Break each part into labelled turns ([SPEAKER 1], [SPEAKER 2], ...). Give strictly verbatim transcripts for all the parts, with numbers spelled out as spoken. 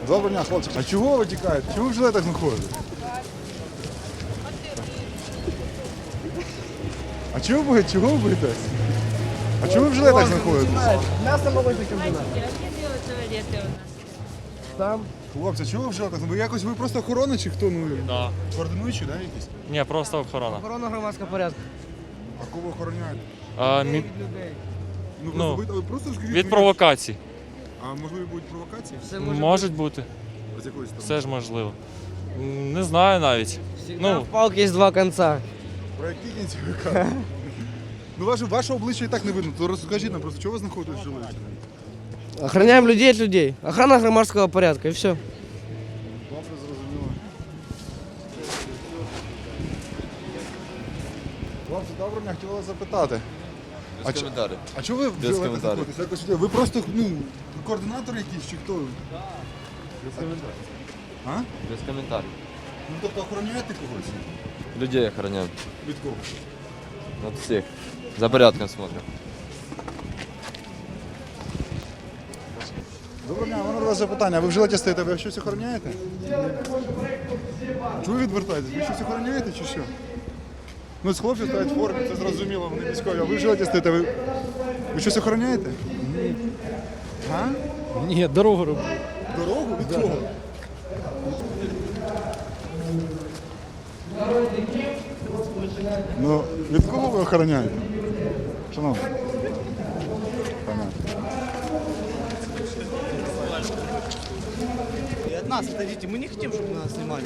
[SPEAKER 1] Доброго дня, хлопці. А чого ви тікаєте? Чого ви в жилетах знаходите? А чого ви боїтесь? Чого ви боїтесь? А чого ви в жилетах знаходитесь?
[SPEAKER 2] Мясо молочный комбинат.
[SPEAKER 3] Где делают туалеты у нас?
[SPEAKER 2] Там.
[SPEAKER 1] Хлопці, чого ви в жилетах? Ви якось ви просто охорона чи хто? Ну,
[SPEAKER 4] Да.
[SPEAKER 1] координуючі, да, якісь?
[SPEAKER 4] Ні, просто охорона.
[SPEAKER 2] Охорона громадського порядку.
[SPEAKER 1] А кого охороняєте?
[SPEAKER 4] А, мі...
[SPEAKER 2] Від людей.
[SPEAKER 1] Ну,
[SPEAKER 4] Ну,
[SPEAKER 1] ви, ви просто скажіть.
[SPEAKER 4] Від
[SPEAKER 1] мені,
[SPEAKER 4] провокацій.
[SPEAKER 1] А можливо будуть провокації?
[SPEAKER 2] Все може
[SPEAKER 4] Можуть бути.
[SPEAKER 1] З якоїсь сторони?
[SPEAKER 4] Все ж можливо. М, Не знаю навіть.
[SPEAKER 2] Всегда
[SPEAKER 4] Ну,
[SPEAKER 2] в палке есть два конца.
[SPEAKER 1] Про які кінці ви кажете? Ну, ваше, ваше обличчя і так не видно, то розкажіть нам просто, чого ви знаходитесь в жилеті?
[SPEAKER 2] Охраняем людей от людей. Охрана громадского порядка и все.
[SPEAKER 1] Добре, зрозуміло. Хлопці, доброго дня, хотіла вас запитати.
[SPEAKER 5] Без
[SPEAKER 1] А чи-
[SPEAKER 5] коментарів.
[SPEAKER 1] А чого ви в
[SPEAKER 5] Без
[SPEAKER 1] жилетах
[SPEAKER 5] коментарів.
[SPEAKER 1] знаходитесь? Якось, ви просто, ну, координатор якийсь чи хто?
[SPEAKER 5] Без коментарів.
[SPEAKER 1] А?
[SPEAKER 5] Без коментарів.
[SPEAKER 1] Ну, тобто охороняєте когось?
[SPEAKER 5] Людей охороняємо.
[SPEAKER 1] Від кого?
[SPEAKER 5] От всіх. За порядком смотрим.
[SPEAKER 1] Доброго дня, у мене до вас запитання. Ви в жилеті стоїте, ви щось охороняєте? Чого ви відвертаєтесь? Ви щось охороняєте чи що? Ну, з хлопців стоять в формі, це зрозуміло, вони військові. А ви в жилеті стоїте, ви, ви щось охороняєте? А?
[SPEAKER 6] Ні, дорогу роблю.
[SPEAKER 1] Дорогу? Від кого? Ну, від кого ви охороняєте? Шановні. Понятно.
[SPEAKER 7] И от нас отойдите, мы не хотим, чтобы нас снимали.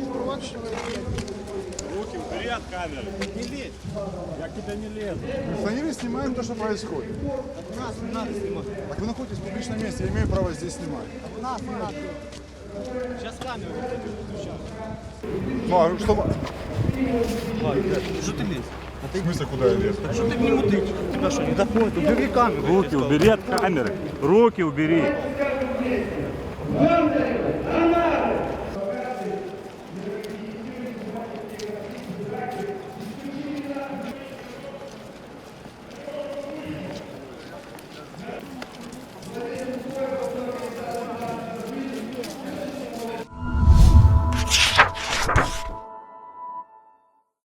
[SPEAKER 8] Руки убери от камеры.
[SPEAKER 7] Не лезь,
[SPEAKER 8] Я к тебе не лезу.
[SPEAKER 1] Милиционеры снимаем то, что происходит.
[SPEAKER 7] от нас не надо снимать.
[SPEAKER 1] Так вы находитесь в публичном месте, я имею право здесь снимать.
[SPEAKER 7] От нас не надо. Сейчас камеру выключат.
[SPEAKER 1] Ну, а что...
[SPEAKER 7] Что ты лезешь?
[SPEAKER 1] В смысле, куда я лезу?
[SPEAKER 7] Что ты к нему тычешь? Тебя что, не доходит? Убери камеру.
[SPEAKER 8] Руки убери от камеры. Руки убери.